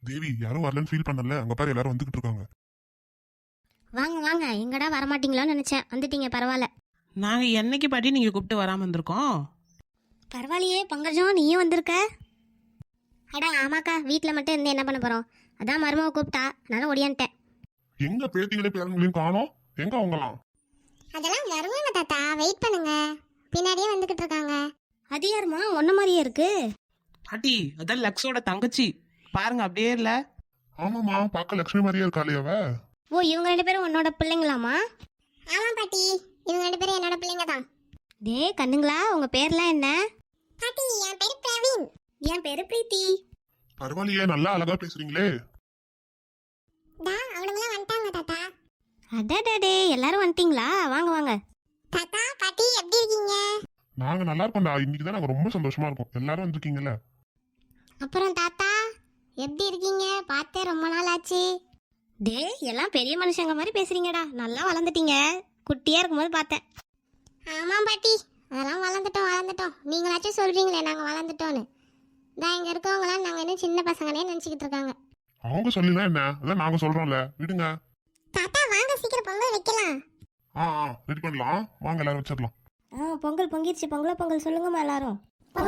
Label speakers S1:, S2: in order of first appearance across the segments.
S1: தேவி யாரும் வரலன்னு ஃபீல் பண்ணல, அங்க பாரு எல்லாரும் வந்துகிட்டு இருக்காங்க.
S2: வாங்க வாங்க, எங்கடா வரமாட்டீங்களோன்னு நினைச்சேன், வந்துட்டீங்க பரவாயில்ல.
S3: நாங்க என்னைக்கு பாட்டி நீங்க கூப்பிட்டு வராம இருந்திருக்கோம்.
S2: பரவாயில்லையே பங்கஜம், நீயும் வந்திருக்க. அடா ஆமாக்கா, வீட்டில் மட்டும் இருந்து என்ன பண்ண போறோம், அதான் மருமவை கூப்பிட்டா, அதனால ஒடியான்ட்டேன்.
S1: எங்க பேத்திங்களே பேரங்களையும் காணோம், எங்க அவங்களாம்?
S2: அதெல்லாம் வருவாங்க தாத்தா, வெயிட் பண்ணுங்க, பின்னாடியே வந்துகிட்டு இருக்காங்க. அது யாருமா ஒன்ன மாதிரியே இருக்கு?
S3: பாட்டி அதான் லக்ஸோட தங்கச்சி, பாருங்க அப்படியே இல்ல.
S1: ஆமாமா, பார்க்க லட்சுமி மாதிரியே இருக்காளே அவ.
S2: ஓ, இவங்க 2 பேரும் உன்னோட பிள்ளைங்களாமா? ஆமா பாட்டி, இவங்க 2 பேரும் என்னோட பிள்ளைங்க தான். டே கண்ணுங்களா, உங்க பேர்லாம் என்ன? பாட்டி என் பேரு பிரவீன். என் பேரு பிரீத்தி.
S1: பரவாயில்லையே, நல்லா அழகா பேசுறீங்களே.
S2: அவனுங்களாம் வந்துட்டாங்க தாத்தா. அடடே, எல்லாரும் வந்துட்டீங்களா? வாங்க வாங்க. தாத்தா பாட்டி எப்படி இருக்கீங்க?
S1: நாங்க நல்லா இருக்கோம்டா, இன்னைக்கு தான் நாங்க ரொம்ப சந்தோஷமா இருக்கோம், எல்லாரும் வந்திருக்கீங்கல்ல.
S2: அப்புறம் தாத்தா எப்படி இருக்கீங்க? பார்த்தே ரொம்ப நாள் ஆச்சு. டே எல்லாம் பெரிய மனுஷங்க மாதிரி பேசுறீங்கடா, நல்லா வளர்ந்துட்டீங்க. குட்டியா இருக்கும்போது பார்த்தேன். ஆமா பாட்டி, அதெல்லாம் வளர்ந்துட்டோம். நீங்களாச்சும் சொல்றீங்களே நாங்க வளர்ந்துட்டோன்னு. தான் இங்க இருக்கவங்களாம் நாங்க இன்னும் சின்ன பசங்கனே நினைச்சுக்கிட்டு இருக்காங்க.
S1: அவங்க சொல்லலாம் என்ன, அதான் நாங்க சொல்றோம்ல, விடுங்க.
S2: தாத்தா வாங்க, சீக்கிரம் பொங்கல் வைக்கலாம்.
S1: ரெடி பண்ணலாம், வாங்க எல்லாரும் வச்சிடலாம்.
S2: பொங்கல் பொங்கிருச்சு, பொங்கல் சொல்லுங்கம்மா எல்லாரும்.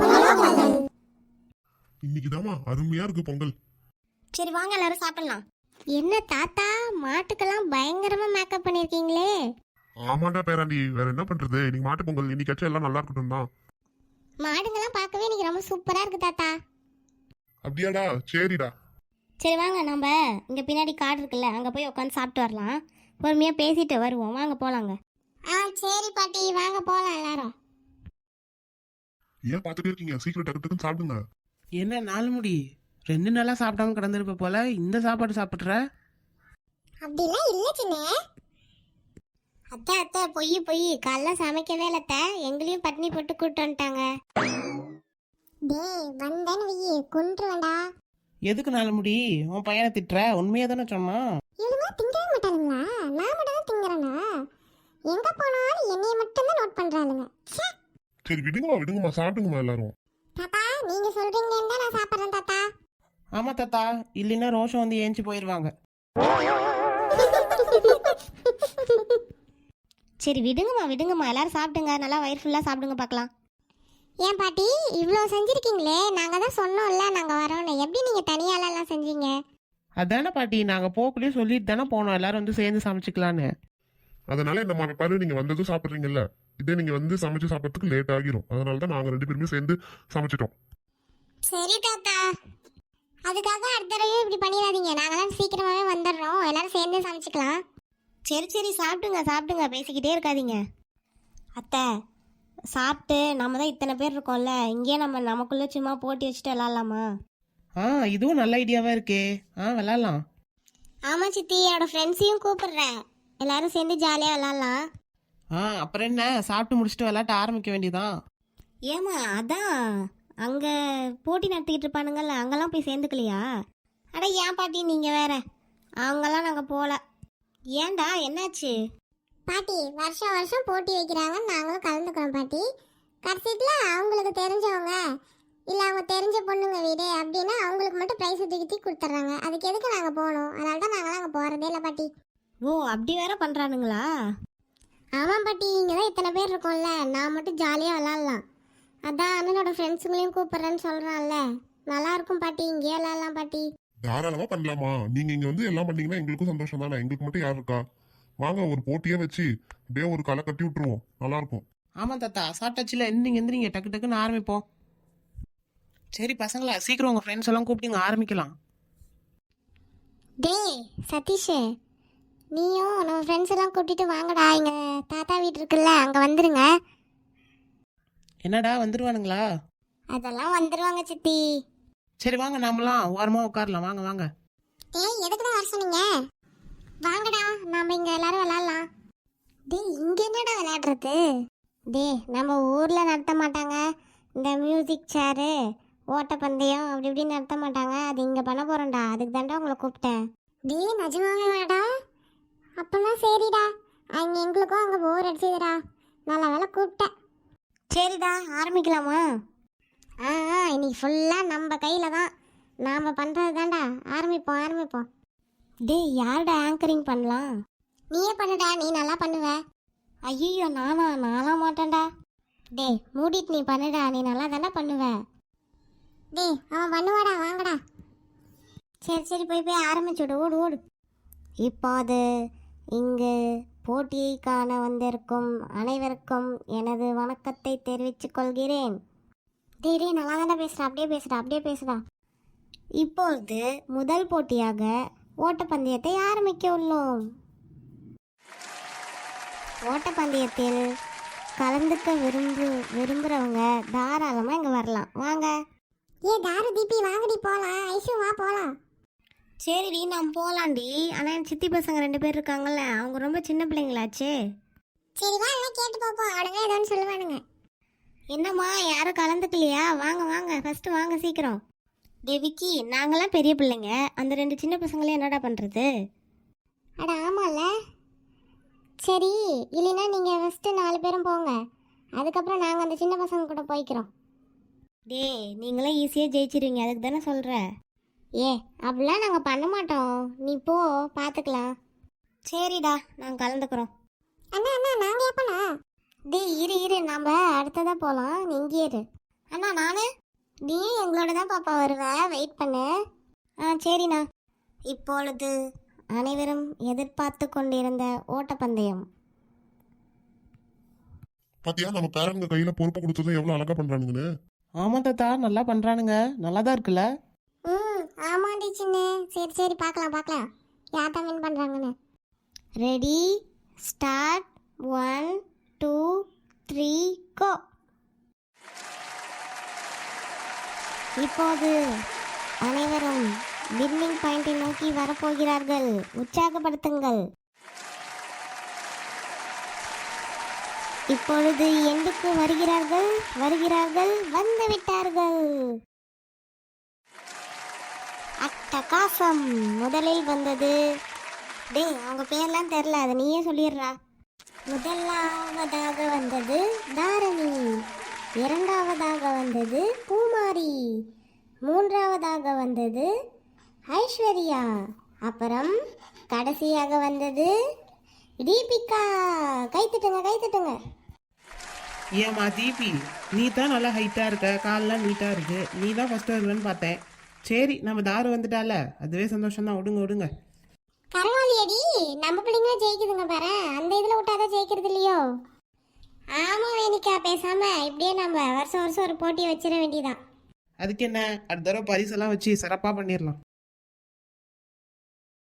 S1: இன்னைக்குதாம்மா அருமையா இருக்கு பொங்கல்.
S2: சரி வாங்க எல்லாரும் சாப்பிடலாம். என்ன தாத்தா, மாட்டுக்கெல்லாம் பயங்கரமா மேக்கப் பண்ணிருக்கீங்களே.
S1: ஆமாண்டா பேராண்டி, வேற என்ன பண்றது, இன்னைக்கு மாட்டு பொங்கல், இன்னைக்காச்சும் எல்லாம் நல்லா இருக்கட்டும் தான்.
S2: மாடுங்கெல்லாம் பார்க்கவே இன்னைக்கு ரொம்ப சூப்பரா இருக்கு தாத்தா.
S1: அப்படியாடா, சரிடா.
S2: சரி வாங்க, நம்ம இங்க பின்னாடி காடு இருக்குல்ல, அங்க போய் உட்காந்து சாப்பிட்டு வரலாம். பொறுமையா பேசிட்டு வருவோம், வாங்க போலாங்க. சரி பாட்டி, வாங்க போலாம் எல்லாரும்.
S1: ஏன் பாத்துட்டே இருக்கீங்க, சீக்கிரம் டக்கு டக்குன்னு சாப்பிடுங்க.
S3: என்ன 4 முடி 2 நாளா சாப்பிடாம கிடந்திருப்ப போல, இந்த சாப்பாடு சாப்பிட்ற?
S2: அப்படிலாம் இல்ல சின்ன அத்தை, பொய் காலைல சமைக்கவே இல்லத்த, எங்களையும் பட்னி போட்டு கூட்டு வந்துட்டாங்க. டேய் வந்தேன்னு வெயி கொன்றுவேண்டா.
S3: எதுக்கு 4 முடி உன் பையனை திட்டுற? உண்மையா தானே சொன்னான்.
S2: இவங்க திங்கவே மாட்டானுங்களா? நான் மட்டும் தான் திங்கறேனா? எங்க போனாலும் என்னைய மட்டும் தான் நோட் பண்றாளுங்க.
S1: சரி விடுங்கம்மா சாப்பிடுங்கம்மா எல்லாரும்.
S2: தாத்தா நீங்க சொல்றீங்கன்னு தான் நான் சாப்பிடுறேன் தாத்தா.
S3: ஆமா தாத்தா, இல்லைன்னா ரோஷம் வந்து ஏஞ்சி போயிடுவாங்க.
S2: சரி விடுங்கம்மா, எல்லாரும் சாப்பிடுங்க, நல்லா வயிறு ஃபுல்லா சாப்பிடுங்க பார்க்கலாம். ஏன் பாட்டி இவ்வளோ செஞ்சிருக்கீங்களே, நாங்கள் தான் சொன்னோம்ல நாங்கள் வரோன்னு, எப்படி நீங்கள் தனியாலாம் செஞ்சீங்க?
S3: அதானே பாட்டி, நாங்கள் போக்குள்ளேயே சொல்லிட்டு தானே போனோம் எல்லாரும் வந்து சேர்ந்து சமைச்சிக்கலான்னு.
S1: அதனால என்ன பாரு, நீங்க வந்ததும் சாப்பிடுறீங்கல்ல, இதே நீங்க வந்து சமைச்சு சாப்பிட்றதுக்கு லேட் ஆகிரும், அதனால தான் நாங்க 2 பேருமே சேர்ந்து சமைச்சிட்டோம்.
S2: சரி தாத்தா, அதுக்காக அடுத்த தடவை இப்படி பண்ணிடாதீங்க, நாங்களாம் சீக்கிரமாவே வந்துடுறோம், எல்லாரும் சேர்ந்து சமைச்சிக்கலாம். சரி சாப்பிடுங்க, பேசிக்கிட்டே இருக்காதீங்க. அத்தை சாப்பிட்டு, நம்ம தான் இத்தனை பேர் இருக்கோம்ல, இங்கேயே நமக்குள்ள சும்மா போட்டி வச்சுட்டு விளாட்லாமா?
S3: இதுவும் நல்ல ஐடியாவா இருக்கே, விளாட்லாம்.
S2: ஆமா சித்தி, என்னோட ஃப்ரெண்ட்ஸையும் கூப்பிடுறேன், எல்லாரும் சேர்ந்து ஜாலியாக விளாட்லாம்.
S3: அப்புறம் என்ன, சாப்பிட்டு முடிச்சுட்டு விளாட்ட ஆரம்பிக்க வேண்டியதான்.
S2: ஏமா அதான் அங்கே போட்டி நடத்திக்கிட்டு இருப்பானுங்கல்ல, அங்கெல்லாம் போய் சேர்ந்துக்கலையா? அட ஏன் பாட்டி நீங்கள் வேற, அவங்கெல்லாம் நாங்கள் போகல. ஏன்டா என்னாச்சு? பாட்டி வருஷம் போட்டி வைக்கிறாங்க, நாங்களும் கலந்துக்கிறோம் பாட்டி. கடைசியில் அவங்களுக்கு தெரிஞ்சவங்க இல்லை அவங்க தெரிஞ்ச பொண்ணுங்க வீடு அப்படின்னா அவங்களுக்கு மட்டும் ப்ரைஸ் தூக்கி கொடுத்துட்றாங்க, அதுக்கு எதுக்கு நாங்கள் போகணும்? அதனால தான் நாங்களாம் அங்கே போகிறதே இல்லை பாட்டி. ஓ அப்படி வேற பண்ணுறானுங்களா? ஆமாம் பாட்டி, இங்கே தான் இத்தனை பேர் இருக்கோம்ல, நான் மட்டும் ஜாலியாக விளாட்லாம், அதான் அண்ணனோட ஃப்ரெண்ட்ஸுங்களையும் கூப்பிட்றேன்னு சொல்கிறான்ல, நல்லா இருக்கும் பாட்டி, இங்கேயே விளாட்லாம் பாட்டி.
S1: தாராளமா பண்ணலாமா, நீங்க இங்க வந்து எல்லாம் பண்ணீங்கன்னா எங்களுக்கும் சந்தோஷம் தானே, எங்களுக்கு மட்டும் யார் இருக்கா? வாங்க ஒரு போட்டியே வச்சு அப்படியே ஒரு களை கட்டி விட்டுருவோம், நல்லா இருக்கும்.
S3: ஆமா தாத்தா, சாப்பிட்டாச்சுல, எந்திரிங்க டக்கு டக்குன்னு ஆரம்பிப்போம். சரி பசங்களா, சீக்கிரம் உங்க ஃப்ரெண்ட்ஸ் எல்லாம் கூப்பிட்டு ஆரம்பிக்கலாம்.
S2: டேய் சதீஷ், நீயும் நம்ம ஃப்ரெண்ட்ஸ் எல்லாம் கூட்டிட்டு வாங்கடா, எங்க தாத்தா வீடு இருக்குல்ல அங்கே வந்துருங்க.
S3: என்னடா வந்துருவானுங்களா?
S2: அதெல்லாம் வந்துருவாங்க சித்தி.
S3: சரி வாங்க, நாமெல்லாம் ஓரமா உட்காரலாம், வாங்க.
S2: ஏய் எதுக்குடா வர சொன்னீங்க? வாங்கடா, நாம இங்க எல்லாரும் விளையாடலாம். டேய் இங்க என்னடா விளையாடுறது? டேய் நம்ம ஊர்ல நடத்த மாட்டாங்க இந்த மியூசிக் சேரு, ஓட்டப்பந்தயம் அப்படி இப்படி நடத்த மாட்டாங்க, அது இங்க பண்ண போறோம்டா, அதுக்கு தாண்டா உங்களை கூப்பிட்டேன். டேய் நிஜமாவே வாடா. அப்பனா சரிடா, அங்க எங்களுக்கும் அங்க போர் அடிச்சதுடா, நல்ல வேலை கூப்பிட்டேன். சரிடா ஆரம்பிக்கலாமா? இன்னைக்கு ஃபுல்லாக நம்ம கையில் தான், நாம் பண்ணுறது தான்டா. ஆரம்பிப்போம் ஆரம்பிப்போம். டேய் யார்டா ஆங்கரிங் பண்ணலாம்? நீயே பண்ணுடா, நீ நல்லா பண்ணுவ. ஐயோ நான்லாம் மாட்டேன்டா. டேய் மூடிட்டு நீ பண்ணுடா, நீ நல்லா தானே பண்ணுவ. டேய் அவன் பண்ணுவாடா, வாங்கடா. சரி போய் ஆரம்பிச்சுடு, ஓடு ஓடு. இப்போது இங்கு போட்டியை காண வந்திருக்கும் அனைவருக்கும் எனது வணக்கத்தை தெரிவித்துக் கொள்கிறேன். டேய் நல்லா தானே பேசுடா, அப்படியே பேசுடா. இப்பொழுது முதல் போட்டியாக ஓட்டப்பந்தயத்தை ஆரம்பிக்க உள்ளோம். ஓட்டப்பந்தயத்தில் கலந்துக்க விரும்புகிறவங்க தாராளமாக இங்கே வரலாம். வாங்க. தாரு தீபி வாங்கடி போகலாம். ஐஷு வா போகலாம். சரிடி நான் போகலாண்டி. ஆனால் என் சித்தி பசங்க 2 பேர் இருக்காங்கல்ல, அவங்க ரொம்ப சின்ன பிள்ளைங்களாச்சே. சரி வா, எல்லாம் கேட்டு பார்ப்போம், அவனுங்க ஏதோன்னு சொல்லுவானுங்க. என்னம்மா யாரும் கலந்துக்கலையா? வாங்க ஃபஸ்ட்டு வாங்க சீக்கிரம். விக்கி நாங்களாம் பெரிய பிள்ளைங்க, அந்த 2 சின்ன பசங்களே என்னடா பண்ணுறது? அட ஆமாம்ல. சரி இல்லைன்னா நீங்கள் ஃபஸ்ட்டு 4 பேரும் போங்க, அதுக்கப்புறம் நாங்கள் அந்த சின்ன பசங்க கூட போய்க்கிறோம். நீங்களாம் ஈஸியாக ஜெயிச்சிருவீங்க, அதுக்கு தானே சொல்கிறேன். அப்படிலாம் நாங்கள் பண்ண மாட்டோம், நீ போ பார்த்துக்கலாம். சரிடா நாங்கள் கலந்துக்கிறோம். அண்ணா நாங்கள் எப்பண்ணா? இரு நாம் அடுத்ததாக போகலாம், நீ இங்கே இரு. அண்ணா நானு? நீ எங்களோட தான் பாப்பா வருவேன், வெயிட் பண்ணு. சரிண்ணா. இப்பொழுது அனைவரும் எதிர்பார்த்து கொண்டிருந்த ஓட்டப்பந்தயம்.
S1: பாத்தியா நம்ம பேரண்ட்ங்க கையில பொறுப்பு கொடுத்ததும் எவ்வளவு அழகா பண்றானுங்கன்னு.
S3: ஆமா தாத்தா, நல்லா பண்றானுங்க, நல்லா தான் இருக்குல்ல.
S2: ஆமாண்டி சின்ன. சரி பார்க்கலாம் யார் தான் வின் பண்ணுறாங்கன்னு. Ready start. 1 2 3 கோ. இப்போது அனைவரும் வின்னிங் பாயிண்டை நோக்கி வரப்போகிறார்கள், உற்சாகப்படுத்துங்கள். இப்பொழுது எண்டுக்கு வருகிறார்கள் வந்துவிட்டார்கள். அட்டகாசம். முதலில் வந்தது அவங்க பேர்லாம் தெரில, அதை நீயே சொல்லிடுறா. முதலாவதாக வந்தது தாரணி, இரண்டாவதாக வந்தது பூமாரி, மூன்றாவதாக வந்தது ஐஸ்வர்யா, அப்புறம் கடைசியாக வந்தது தீபிகா. கைத்தட்டுங்க.
S3: ஏமா தீபி, நீ தான் நல்லா ஹைட்டா இருக்க, கால்லாம் நீட்டா இருக்கு, நீ தான் ஃபர்ஸ்ட் வருவேன்னு பார்த்தேன். சரி நம்ம தாரு வந்துட்டால, அதுவே சந்தோஷம் தான். விடுங்க.
S2: பரவாயில்லையடி, நம்ம பிள்ளைங்க ஜெயிக்குதுங்க பாரு, அந்த இதில் விட்டாதான் ஜெயிக்கிறது இல்லையோ. ஆமா வேணிக்கா, பேசாம இப்படியே நம்ம வருஷம் ஒரு போட்டியை வச்சிட வேண்டியதான்.
S3: அதுக்கு என்ன, அடுத்த தடவை பரிசெல்லாம் வச்சு சிறப்பாக பண்ணிடலாம்.